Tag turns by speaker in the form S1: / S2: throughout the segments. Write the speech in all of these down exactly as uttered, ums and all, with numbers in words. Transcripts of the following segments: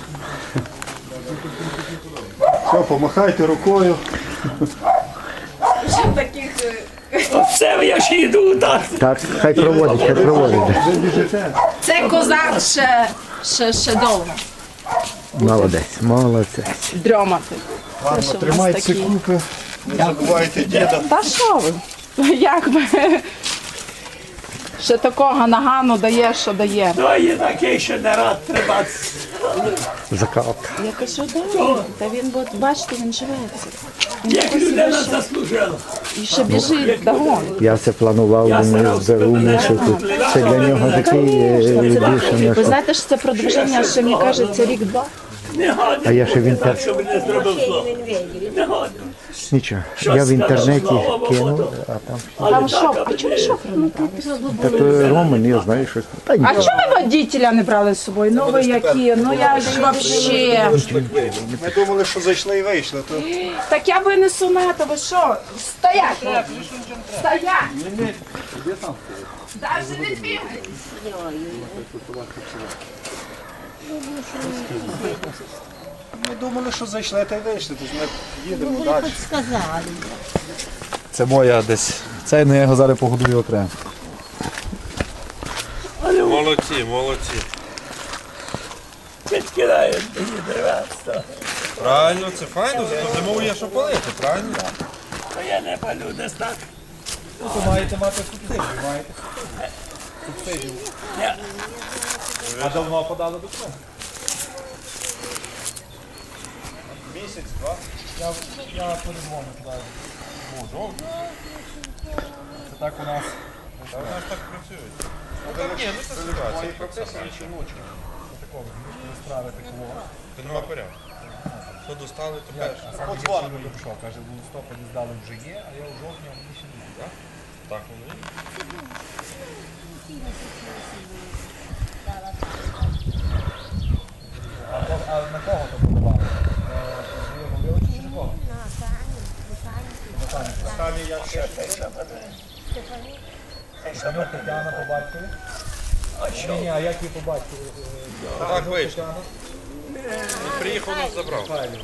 S1: Все, помахайте рукою.
S2: Ще таких...
S3: Все, я ж йду, так.
S4: Так, хай проводить, хай проводить.
S2: Це козак ще, ще, ще довго.
S4: Молодець, молодець.
S2: Дрьомати.
S1: Ладно,
S2: що в нас
S1: тримайте
S2: такі?
S1: купи. Не забувайте діда.
S2: Та що ви? Як би? Ще такого нагану дає, що дає.
S3: То є такий, що не рад тримати.
S4: Закалка.
S2: Я кажу, да, та він, от, бачите, він живеться.
S3: Як людина заслужила.
S2: І ще біжить догон.
S4: Я все планував, він зберу мішу тут. Це для нього такий е, більше
S2: Ви
S4: не.
S2: знаєте, що це продовження, ще мені кажеться, рік-два?
S3: Не годен.
S4: А я ще в
S3: Так,
S4: інтернеті.
S3: щоб не зробив зло. Не годен.
S4: Нічого. Я в інтернеті кинув, а там.
S2: Там шофер. А чому шофер не брали?
S4: Та то Роман, я знаю, що. Та ні.
S2: А чому ви водителя не брали з собою? Ну ви які? Ну я ж вообще.
S1: Ми думали, що зайшли і вийшли. То...
S2: Так я винесу на то, ви що? Стоять! Стоять! Даже не двигай!
S1: Ми думали, що зайшли та й вийшли. Тож ми їдемо далі.
S5: Це моя десь. Це я його зараз погодую окремо.
S6: Молодці, молодці.
S3: Підкидають мені деревацтво.
S6: Правильно, це файно, зато зимою є що палити, правильно?
S3: То я не палю десь так.
S5: Ну, то маєте мати субсидію, маєте. Субсидію. А давно подали документи?
S1: Місяць, два.
S5: Я, я передзвоню туди. Можу. Це так у нас.
S6: Та вони ж так працюють. Ну, так, ні, ну це ситуація.
S1: Прописані чи ночі.
S5: Такого справи такого.
S6: Ти нема порядку. Що достали, то перше.
S5: А сам дзвонив мені пішов, каже, в листопаді здали вже є, а я у жовтні, а мені ще не буде.
S6: Так воно є.
S5: А, то- а на кого то подавали? Говорили чи на кого?
S1: Самі я ще.
S5: Степанюк Тетяна по батькові. Ні, ні, а як її по батькові?
S6: Так вийшло.
S5: Тетяна?
S6: Він приїхав, нас забрав.
S5: Правильно.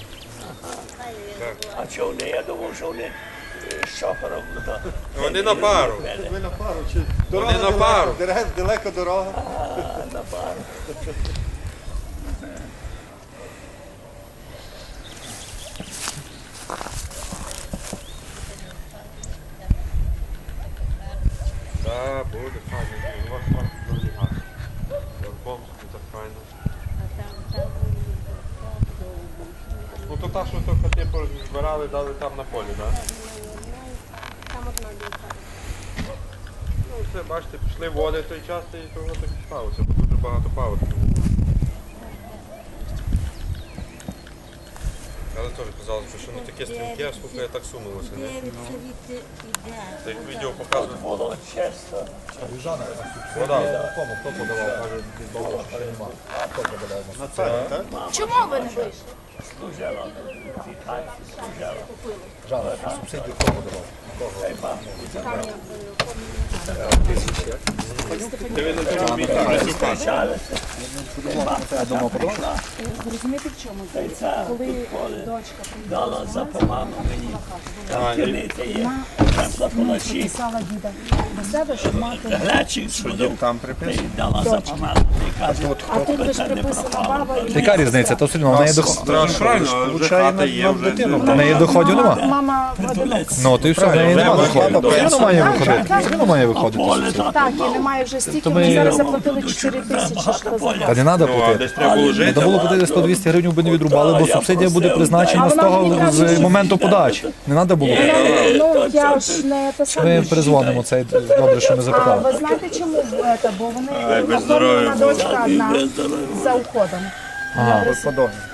S3: А що вони? Я думав, що вони е, з шофером. ну, то.
S6: Вони на пару.
S1: Ви на пару чи дорога
S6: на
S1: далеко,
S6: пару.
S1: дерев- далеко дорога.
S3: На пару.
S6: Так, буде файно. У вас там дуже гарно. Верхом, так файно. Ну то та, що то хати збирали, дали там на полі, так? Ну все, бачите, пішли води в той час і того так і сталося, бо дуже багато паводків. Але теж казалося, що не таке стрімке, а слухай, я так сумилося. Не? Так відео показує.
S3: Було чесно.
S6: Вода.
S5: Кому? Хто подавав? Каже, від Бога, що нема. Хто подавав?
S1: На це, так?
S2: Чому ви не вийшли?
S3: Служила. Служила.
S5: Жана, субсидію хто подавав?
S4: Я думав, подавав.
S2: Розумієте, в чому? Коли дочка
S3: Дала за поману мені. Там керниця є. Там полочі.
S2: писала діда до себе, щоб мати...
S3: Глечик сходив.
S1: Там
S3: Ти
S1: приписано.
S3: дала за поману. Ти каже,
S2: А тут ви ж приписана баба і...
S5: Яка різниця? То все одно в неї доход-
S6: Правильно, вже хата є, вже
S5: в неї доходів нема.
S2: Мама одинока.
S5: Ну, то і все, в неї нема доходів. Все одно має виходити. Все одно має виходити.
S3: поле так.
S2: Так, і немає вже стільки,
S5: ми-
S2: ми зараз заплатили чотири тисячі, що за
S5: Та не треба
S6: Ну, а
S5: платити.
S6: десь треба було жити.
S5: Треба було платити сто-двісті гривень, би не відрубали, бо субсидія буде призначена з того з моменту подачі. Не треба було.
S2: Ну, я ж не те
S5: Ми
S2: саме.
S5: перезвонимо, це добре, що ми
S2: А
S5: запитали.
S2: ви знаєте чому це? Бо вони
S6: без здоров'я
S2: оформлена дочка одна за уходом.
S1: Подобно.